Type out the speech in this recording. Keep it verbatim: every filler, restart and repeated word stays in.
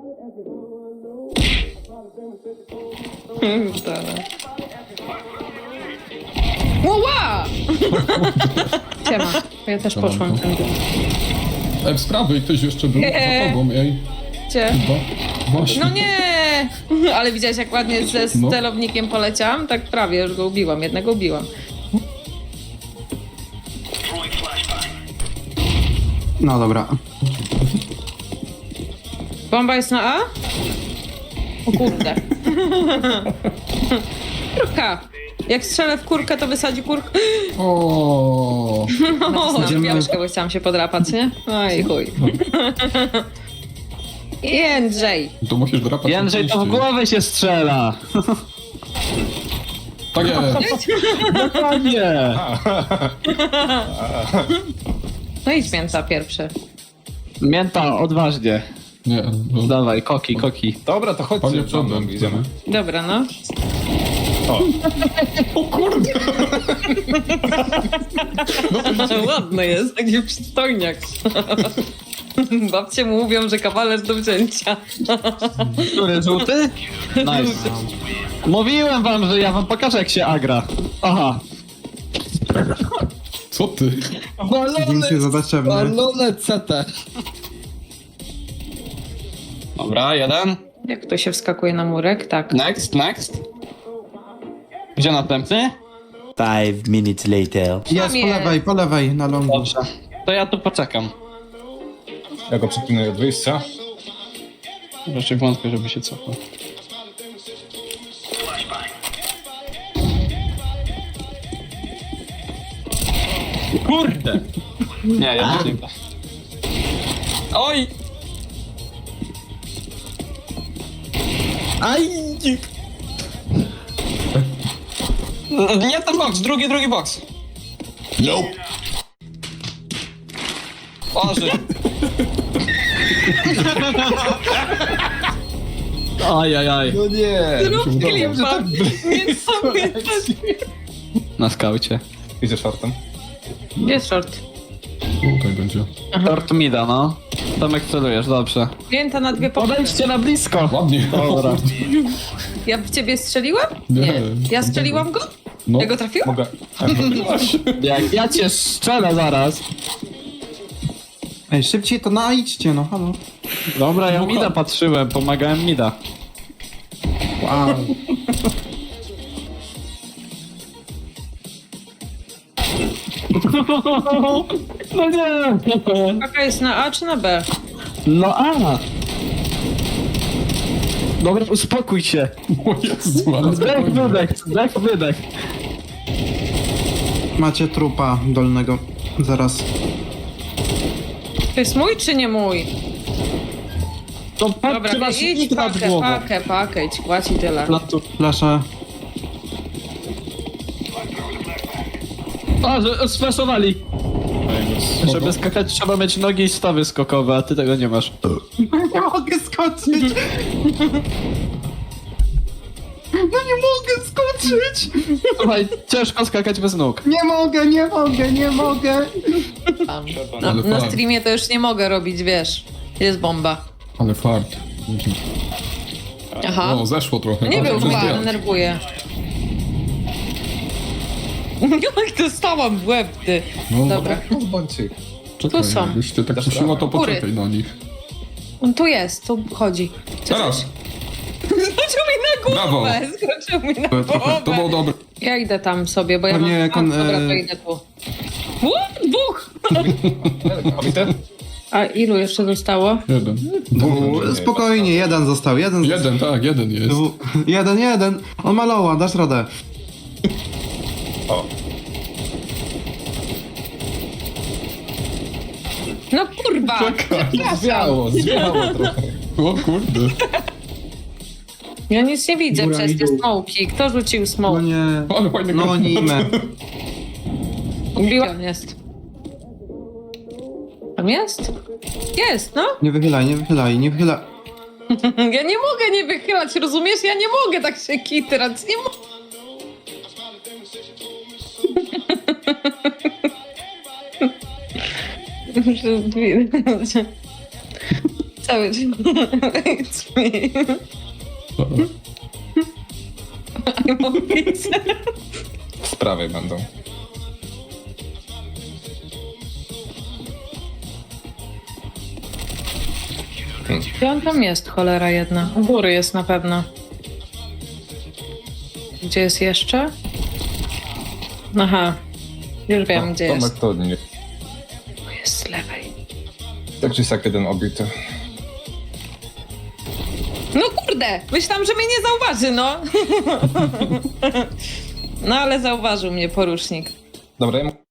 Ła! Siema, ja też Siemanko. poszłam tędy. Ej, z prawej ktoś jeszcze był Nie. za tobą, ej. Gdzie? Chyba. Właśnie. No nie! Ale widziałeś, jak ładnie ze No. celownikiem poleciałam? Tak prawie, już go ubiłam, jednego ubiłam. No dobra. Bomba jest na A? O kurde. Kurka. Jak strzelę w kurkę, to wysadzi kurkę. O. O, Idziemy- piączkę, bo chciałam się podrapać, nie? Oj, chuj. Jędrzej. To musisz drapać. Jędrzej, to w oczywiście. głowę się strzela! Tak jest. Dokładnie! No idź mięta pierwszy. Mięta, odważnie. Nie, no. Dawaj, koki, koki. Dobra, to chodźcie, Panie przodem przodem, idziemy. Dobra, no. O, O kurde. Ładny jest, taki przystojniak. Babcie mu mówią, że kawaler do wzięcia. Który, żółty? Nice. Mówiłem wam, że ja wam pokażę, jak się agra. Aha. Co ty? Zdjęcie zobaczymy. Balone C T. Dobra, jeden. Jak to się wskakuje na murek? Tak. Next, next. Gdzie następny? Five minutes later. Jest po jest. lewej, po lewej, na longu. Dobrze. To ja tu poczekam. ja go przeklinuję od wyjścia. Raczej wątpię, żeby się cofał. Kurde! Nie, ja nie. Oj! Aj! Nie ten box, drugi, drugi box. Nope. Oży. Aj, aj, aj. No nie! Zrób klipa. Więc sobie Na skaucie. Idzie shortem. Jest short. Tutaj będzie. Tort mida, no. Tomek celujesz, dobrze. Mięta na dwie pokoje. Podejdźcie na blisko. Ładnie. Dobra. Ja w ciebie strzeliłem? Nie. Ja strzeliłam go? No. Ja go trafiłam? Mogę. Jak ja cię strzelę zaraz. Ej, szybciej to najdźcie, no halo. Dobra, ja mida patrzyłem, pomagałem mida. Wow. No nie. Jaka jest na A czy na B? No a. Dobra, uspokój się. O Jezu, ale Zdech, spokojnie. wydech, zdech, wydech. Macie trupa dolnego. Zaraz. To jest mój czy nie mój? To Dobra, patrzcie na idź silnik nad pakę, głową. pakę, pakę, idź, kładź i tyle. Na tu. Flaszę. A, że sflashowali. Żeby skakać trzeba mieć nogi i stawy skokowe, a ty tego nie masz. Nie mogę skoczyć! No nie mogę skoczyć! Słuchaj, ciężko skakać bez nóg. Nie mogę, nie mogę, nie mogę! Tam. Na, Ale na fart. streamie to już nie mogę robić, wiesz. Jest bomba. Ale fart. Aha. O, zeszło trochę. Nie Ale był to chyba, zdjąć. denerwuję. Jak dostałam w łeb, ty. No, Dobra. Bądźcie ich. Czekaj, Tu są. jakbyś ty tak Dasz kuszyła, radę. to Góry. poczekaj na nich. On tu jest, tu chodzi. Teraz. Skoczył mi na Brawo. głowę, skoczył mi na trochę- To było głowę. dobre. Ja idę tam sobie, bo ja Pewnie mam... jak on, A, dobra, to e, idę tu. U, dwóch! Obity? A ilu jeszcze zostało? Jeden. U, spokojnie, jeden został, jeden został. Jeden, tak, jeden jest. Dwu- Jeden, jeden. On ma loła, dasz radę. O, No kurwa! Przepraszam. zwiało, zwiało trochę. O kurde. Ja nic nie widzę Góra przez i te dół. smoki. Kto rzucił No smoke? nie. Ale fajny No granat. nimę. Biła jest. Tam jest? Jest, no. Nie wychylaj, nie wychylaj, nie wychylaj. Ja nie mogę nie wychylać, rozumiesz? Ja nie mogę tak się kitrać, nie mogę. Cały dzień. It's me. Dobra. I'm a pizza. Z prawej będą. Gdzie on tam jest, cholera jedna? U góry jest na pewno. Gdzie jest jeszcze? Aha. Już wiem, gdzie Tomek jest. to nie. Jest z lewej. Tak czy siak jeden obity. No kurde! Myślałam, że mnie nie zauważy, no. No ale zauważył mnie porusznik. Dobra, ja